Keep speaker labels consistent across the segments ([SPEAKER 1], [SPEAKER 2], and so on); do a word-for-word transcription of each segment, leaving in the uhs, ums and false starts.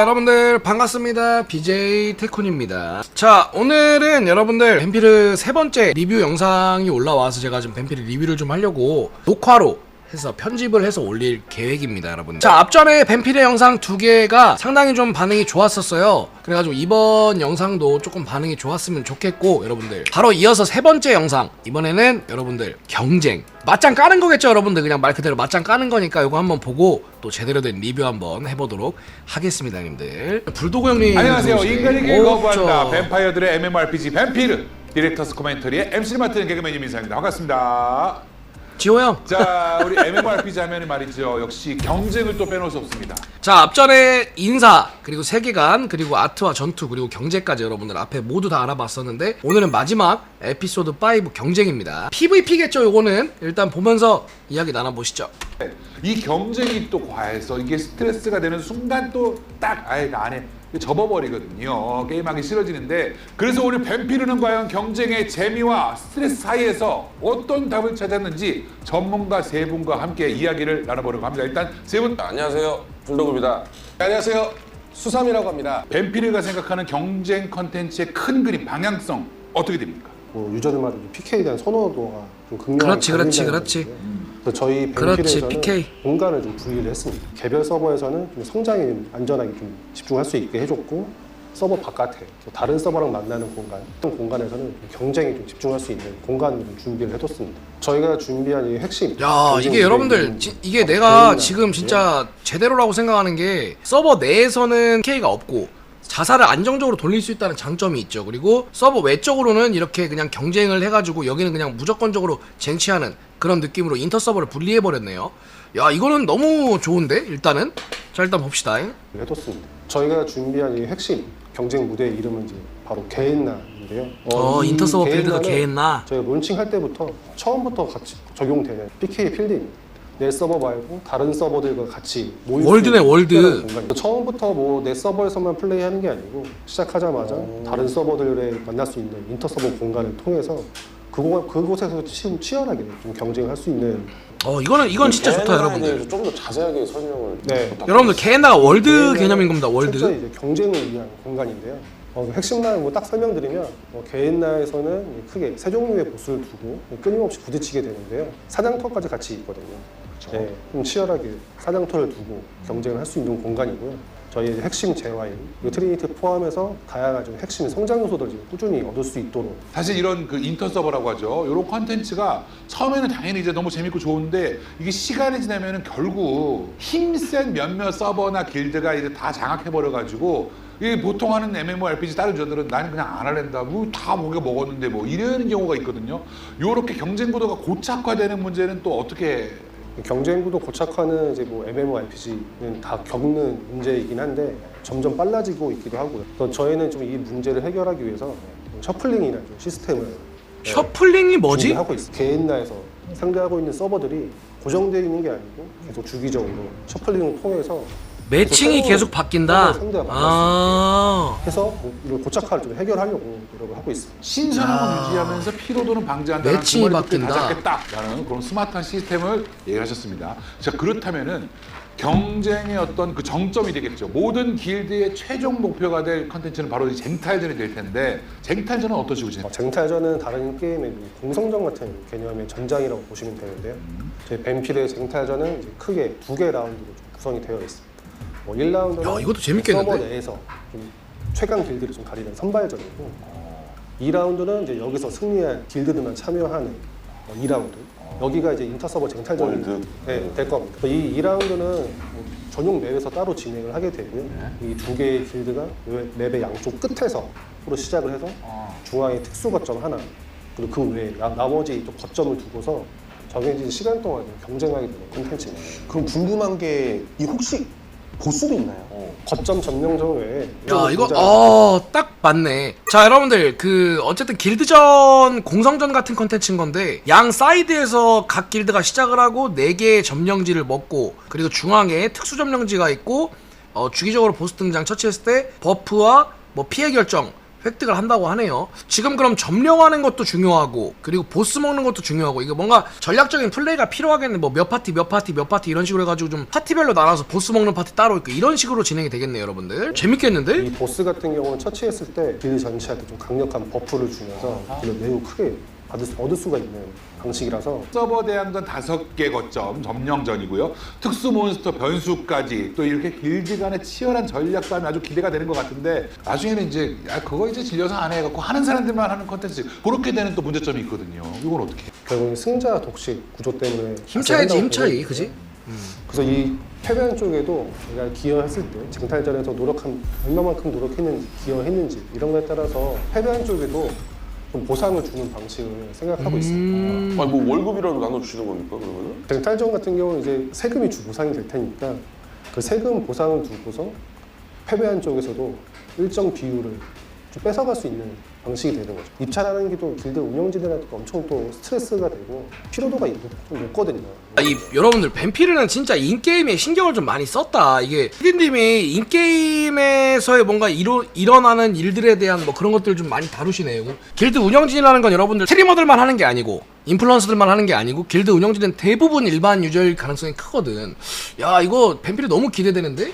[SPEAKER 1] 여러분들 반갑습니다. 비제이 태쿤입니다. 자, 오늘은 여러분들 뱀피르 세 번째 리뷰 영상이 올라와서 제가 좀 뱀피르 리뷰를 좀 하려고 녹화로 해서 편집을 해서 올릴 계획입니다, 여러분. 자, 앞전에 뱀피르 영상 두 개가 상당히 좀 반응이 좋았었어요. 그래가지고 이번 영상도 조금 반응이 좋았으면 좋겠고, 여러분들 바로 이어서 세 번째 영상, 이번에는 여러분들 경쟁 맞짱 까는 거겠죠, 여러분들. 그냥 말 그대로 맞짱 까는 거니까 이거 한번 보고 또 제대로 된 리뷰 한번 해보도록 하겠습니다, 형님들. 불도그 형님
[SPEAKER 2] 안녕하세요. 인간에게 거부한다
[SPEAKER 1] 저...
[SPEAKER 2] 뱀파이어들의 엠엠오알피지 뱀피르 디렉터스 코멘터리의 엠씨를 맡은 개그맨 이민상입니다. 반갑습니다.
[SPEAKER 1] 지호 형.
[SPEAKER 2] 자, 우리 엠엠오알피지 하면 말이죠, 역시 경쟁을 또 빼놓을 수 없습니다.
[SPEAKER 1] 자, 앞전에 인사, 그리고 세계관, 그리고 아트와 전투, 그리고 경제까지 여러분들 앞에 모두 다 알아봤었는데, 오늘은 마지막 에피소드 오 경쟁입니다. 피브이피겠죠, 요거는. 일단 보면서 이야기 나눠보시죠.
[SPEAKER 2] 이 경쟁이 또 과해서 이게 스트레스가 되는 순간 또 딱 아예 안에 접어버리거든요. 게임하기 싫어지는데, 그래서 우리 뱀피르는 과연 경쟁의 재미와 스트레스 사이에서 어떤 답을 찾았는지 전문가 세 분과 함께 이야기를 나눠보려고 합니다. 일단 세 분.
[SPEAKER 3] 안녕하세요, 불도그입니다.
[SPEAKER 4] 안녕하세요, 수삼이라고 합니다.
[SPEAKER 2] 뱀피르가 생각하는 경쟁 컨텐츠의 큰 그림, 방향성 어떻게 됩니까?
[SPEAKER 4] 뭐 유저들마다 피케이에 대한 선호도가 좀 극명하게
[SPEAKER 1] 그렇지, 그렇지,
[SPEAKER 4] 갈린다는
[SPEAKER 1] 그렇지.
[SPEAKER 4] 건데요. 그래서 저희
[SPEAKER 1] 그렇지,
[SPEAKER 4] 뱀피르에서는
[SPEAKER 1] 피케이.
[SPEAKER 4] 공간을 좀 분리를 했습니다. 개별 서버에서는 좀 성장에 안전하게 좀 집중할 수 있게 해줬고, 서버 바깥에 또 다른 서버랑 만나는 공간, 어떤 공간에서는 좀 경쟁에 좀 집중할 수 있는 공간을 좀 준비를 해뒀습니다. 저희가 준비한 이 핵심.
[SPEAKER 1] 야, 이게 여러분들 지, 이게 내가 지금 진짜 제대로라고 생각하는 게, 서버 내에서는 피케이가 없고 자살을 안정적으로 돌릴 수 있다는 장점이 있죠. 그리고 서버 외적으로는 이렇게 그냥 경쟁을 해가지고 여기는 그냥 무조건적으로 쟁취하는 그런 느낌으로 인터 서버를 분리해버렸네요. 야, 이거는 너무 좋은데, 일단은. 자, 일단 봅시다.
[SPEAKER 4] 해뒀습니다. 저희가 준비한 이 핵심 경쟁 무대의 이름은 이제 바로 게엔나인데요.
[SPEAKER 1] 어,
[SPEAKER 4] 이
[SPEAKER 1] 인터 서버 빌드가
[SPEAKER 4] 게엔나는
[SPEAKER 1] 게엔나.
[SPEAKER 4] 저희가 론칭할 때부터 처음부터 같이 적용되는 피케이 필드입니다. 내 서버 말고 다른 서버들과 같이 모일
[SPEAKER 1] 월드네,
[SPEAKER 4] 수 있는
[SPEAKER 1] 월드.
[SPEAKER 4] 특별한 공간이에요. 처음부터 뭐 내 서버에서만 플레이하는 게 아니고, 시작하자마자
[SPEAKER 1] 오.
[SPEAKER 4] 다른 서버들에 만날 수 있는 인터 서버 공간을 통해서 그곳, 그곳에서 치, 치열하게 좀 경쟁을 할 수 있는.
[SPEAKER 1] 어, 이거는 이건 진짜 좋다, 여러분들.
[SPEAKER 3] 좀 더 자세하게 설명을.
[SPEAKER 4] 네.
[SPEAKER 3] 부탁드립니다.
[SPEAKER 1] 여러분들 게엔나가 월드
[SPEAKER 4] 게임은
[SPEAKER 1] 개념인 겁니다. 월드.
[SPEAKER 4] 진짜 이제 경쟁을 위한 공간인데요. 어, 핵심만 뭐 딱 설명드리면, 어, 게엔나에서는 크게 세 종류의 보스를 두고 끊임없이 부딪히게 되는데요. 사냥터까지 같이 있거든요. 네, 좀 치열하게 사냥터를 두고 경쟁을 할 수 있는 공간이고요. 저희의 핵심 재화인 트리니티 포함해서 다양한 좀 핵심 성장 요소들을 꾸준히 얻을 수 있도록.
[SPEAKER 2] 사실 이런 그 인터 서버라고 하죠. 이런 컨텐츠가 처음에는 당연히 이제 너무 재밌고 좋은데, 이게 시간이 지나면은 결국 힘센 몇몇 서버나 길드가 이제 다 장악해 버려 가지고, 이 보통 하는 엠엠오알피지 다른 유저들은 나는 그냥 안 할랜다, 뭐 다 목에 먹었는데 뭐 이러는 경우가 있거든요. 요렇게 경쟁 구도가 고착화되는 문제는 또 어떻게?
[SPEAKER 4] 경쟁 구도 고착화는 이제 뭐 엠엠오알피지는 다 겪는 문제이긴 한데 점점 빨라지고 있기도 하고요. 그래서 저희는 좀 이 문제를 해결하기 위해서 셔플링이라는 좀 시스템을
[SPEAKER 1] 셔플링이 뭐지?
[SPEAKER 4] 준비하고 있어요. 게임나에서 상대하고 있는 서버들이 고정되어 있는 게 아니고 계속 주기적으로 셔플링을 통해서
[SPEAKER 1] 매칭이 계속 바뀐다.
[SPEAKER 4] 상대가
[SPEAKER 1] 아.
[SPEAKER 4] 해서 뭐 이런 고착화를 좀 해결하려고 노력을 하고 있습니다.
[SPEAKER 2] 신선함을 유지하면서 피로도는 방지한다는
[SPEAKER 1] 매칭이
[SPEAKER 2] 그
[SPEAKER 1] 바뀐다.
[SPEAKER 2] 잡겠다라는 그런 스마트한 시스템을 얘기하셨습니다. 자, 그렇다면은 경쟁의 어떤 그 정점이 되겠죠. 모든 길드의 최종 목표가 될 컨텐츠는 바로 이 쟁탈전이 될 텐데, 쟁탈전은 어떠시고 지내세요?
[SPEAKER 4] 어, 쟁탈전은 다른 게임의 공성전 같은 개념의 전장이라고 보시면 되는데요. 저희 뱀피르의 쟁탈전은 이제 크게 두 개 라운드로 좀 구성이 되어 있습니다. 뭐 일 라운드는
[SPEAKER 1] 야, 이것도 재밌겠는데?
[SPEAKER 4] 서버 내에서 좀 최강 길드를 좀 가리는 선발전이고, 이 라운드는 이제 여기서 승리한 길드들만 참여하는 이 라운드. 여기가 이제 인터서버 쟁탈전이 네, 될 겁니다. 이 이 라운드는 뭐 전용 맵에서 따로 진행을 하게 되고요. 이 두 개의 길드가 맵의 양쪽 끝에서 서로 시작을 해서 중앙에 특수 거점 하나, 그리고 그 외에 나, 나머지 또 거점을 두고서 정해진 시간 동안 경쟁하게 되는 콘텐츠입니다.
[SPEAKER 5] 그럼 궁금한 게, 이 혹시 보스도 있나요?
[SPEAKER 4] 어, 거점 점령전 외에
[SPEAKER 1] 야, 이거
[SPEAKER 4] 굉장히
[SPEAKER 1] 어, 딱 맞네. 자, 여러분들 그 어쨌든 길드전 공성전 같은 컨텐츠인 건데, 양 사이드에서 각 길드가 시작을 하고 네 개의 점령지를 먹고, 그리고 중앙에 특수 점령지가 있고, 어, 주기적으로 보스 등장 처치했을 때 버프와 뭐 피해 결정, 획득을 한다고 하네요. 지금 그럼 점령하는 것도 중요하고 그리고 보스 먹는 것도 중요하고 이게 뭔가 전략적인 플레이가 필요하겠네. 뭐 몇 파티 몇 파티 몇 파티 이런 식으로 해가지고 좀 파티별로 나눠서 보스 먹는 파티 따로 있고 이런 식으로 진행이 되겠네요 여러분들. 재밌겠는데?
[SPEAKER 4] 이 보스 같은 경우는 처치했을 때 빌드 전체한테 좀 강력한 버프를 주면서 딜을 매우 크게 받을 수, 얻을 수가 있는 방식이라서
[SPEAKER 2] 서버 대항전 다섯 개 거점 점령전이고요. 특수 몬스터 변수까지 또 이렇게 길드 간의 치열한 전략 싸움이 아주 기대가 되는 것 같은데 나중에는 이제 야 그거 이제 질려서 안 해갖고 하는 사람들만 하는 컨텐츠 그렇게 되는 또 문제점이 있거든요. 이건 어떻게? 해요?
[SPEAKER 4] 결국은 승자 독식 구조 때문에
[SPEAKER 1] 힘차이지
[SPEAKER 4] 한다고
[SPEAKER 1] 힘차이
[SPEAKER 4] 보거든요.
[SPEAKER 1] 그지?
[SPEAKER 4] 그래서 이 패배한 쪽에도 내가 기여했을 때 쟁탈전에서 노력한 얼마만큼 노력했는지 기여했는지 이런 거에 따라서 패배한 쪽에도 좀 보상을 주는 방식을 생각하고 있습니다.
[SPEAKER 1] 음...
[SPEAKER 3] 아니 뭐 월급이라도 나눠주시는 겁니까 그러면은?
[SPEAKER 4] 쟁탈전 같은 경우는 이제 세금이 주 보상이 될 테니까 그 세금 보상을 두고서 패배한 쪽에서도 일정 비율을 좀 뺏어갈 수 있는 방식이 되는 거죠. 입찰하는 게 또 길드 운영진들한테 엄청 또 스트레스가 되고 피로도가 좀 높거든요.
[SPEAKER 1] 아, 이 여러분들 뱀피르는 진짜 인게임에 신경을 좀 많이 썼다. 이게 피디님이 인게임에서의 뭔가 일어, 일어나는 일들에 대한 뭐 그런 것들 좀 많이 다루시네요. 길드 운영진이라는 건 여러분들 스트리머들만 하는 게 아니고 인플루언서들만 하는 게 아니고 길드 운영진은 대부분 일반 유저일 가능성이 크거든. 야 이거 뱀피르 너무 기대되는데?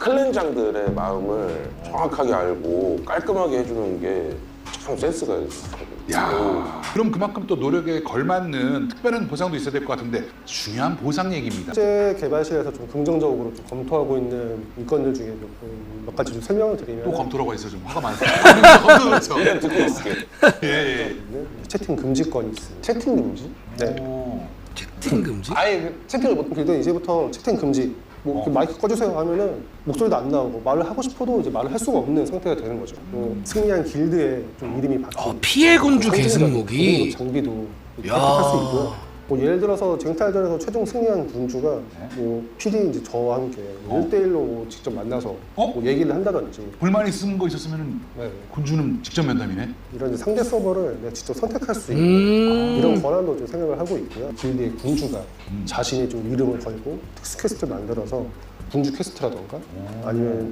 [SPEAKER 3] 클랜장들의 마음을 정확하게 알고 깔끔하게 해주는 게 참 센스가 있어요.
[SPEAKER 2] 야 그럼 그만큼 또 노력에 걸맞는 특별한 보상도 있어야 될 것 같은데 중요한 보상 얘기입니다.
[SPEAKER 4] 현재 개발실에서 좀 긍정적으로 좀 검토하고 있는 일건들 중에 몇, 몇 가지 좀 설명을 드리면
[SPEAKER 2] 또 검토라고 해서 좀 화가 많습니다. 검토죠.
[SPEAKER 3] 그냥 듣고 있을게.
[SPEAKER 2] 예, 예.
[SPEAKER 4] 채팅 금지권이 있습니다.
[SPEAKER 5] 채팅 금지?
[SPEAKER 4] 네.
[SPEAKER 2] 오.
[SPEAKER 1] 채팅 금지?
[SPEAKER 4] 아예 그 채팅을 못 길드 이제부터 채팅 금지. 뭐 이렇게 마이크 꺼주세요 하면은 목소리도 안 나오고 말을 하고 싶어도 이제 말을 할 수가 없는 상태가 되는 거죠. 뭐 승리한 길드에 좀 이름이 박힌
[SPEAKER 1] 어, 피해 군주 계승목이
[SPEAKER 4] 공격 장비도
[SPEAKER 1] 야.
[SPEAKER 4] 획득할 수 있고요. 뭐 예를 들어서 쟁탈전에서 최종 승리한 군주가 뭐 피디 이제 저와 함께
[SPEAKER 2] 어?
[SPEAKER 4] 일 대일로 뭐 직접 만나서
[SPEAKER 2] 어?
[SPEAKER 4] 뭐 얘기를 한다든지
[SPEAKER 2] 불만 있은 거 있었으면
[SPEAKER 4] 네.
[SPEAKER 2] 군주는 직접 면담이네.
[SPEAKER 4] 이런 이제 상대 서버를 내가 직접 선택할 수 있는
[SPEAKER 1] 음...
[SPEAKER 4] 이런 권한도 좀 생각을 하고 있고요. 길드의 군주가
[SPEAKER 2] 음.
[SPEAKER 4] 자신의 좀 이름을 걸고 특수 퀘스트를 만들어서 군주 퀘스트라던가 아니면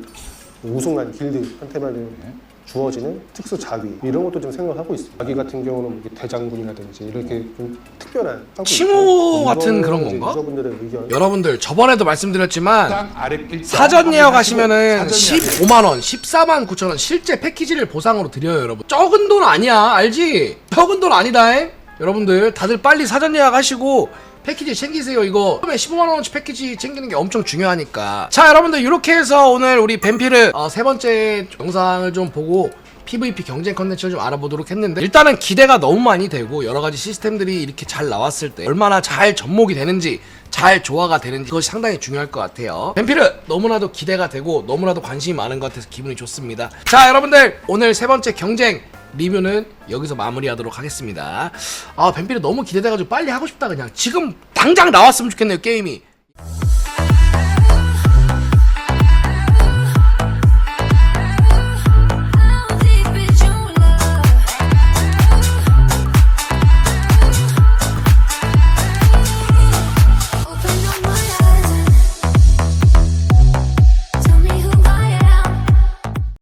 [SPEAKER 4] 우승한 길드한테만
[SPEAKER 2] 네.
[SPEAKER 4] 주어지는 특수 자위 이런 것도 좀 생각을 하고 있습니다. 자위 같은 경우는 뭐 대장군이라든지 이렇게 좀 특별한 하고
[SPEAKER 1] 칭호
[SPEAKER 4] 있고,
[SPEAKER 1] 같은
[SPEAKER 4] 이거는
[SPEAKER 1] 그런
[SPEAKER 4] 이제
[SPEAKER 1] 건가?
[SPEAKER 4] 유저분들의 의견.
[SPEAKER 1] 여러분들 저번에도 말씀드렸지만
[SPEAKER 2] 땅 아래 일단
[SPEAKER 1] 사전 예약하시면은
[SPEAKER 2] 사전 예약.
[SPEAKER 1] 십오만 원, 십사만 구천 원 실제 패키지를 보상으로 드려요 여러분. 적은 돈 아니야 알지? 적은 돈 아니다잉? 여러분들 다들 빨리 사전 예약하시고 패키지 챙기세요. 이거 처음에 십오만 원어치 패키지 챙기는 게 엄청 중요하니까. 자 여러분들 이렇게 해서 오늘 우리 뱀피르 어, 세 번째 영상을 좀 보고 피브이피 경쟁 컨텐츠를 좀 알아보도록 했는데 일단은 기대가 너무 많이 되고 여러가지 시스템들이 이렇게 잘 나왔을 때 얼마나 잘 접목이 되는지 잘 조화가 되는지 그것이 상당히 중요할 것 같아요. 뱀피르 너무나도 기대가 되고 너무나도 관심이 많은 것 같아서 기분이 좋습니다. 자 여러분들 오늘 세 번째 경쟁 리뷰는 여기서 마무리하도록 하겠습니다. 아 뱀피르 너무 기대돼가지고 빨리 하고 싶다 그냥 지금 당장 나왔으면 좋겠네요 게임이.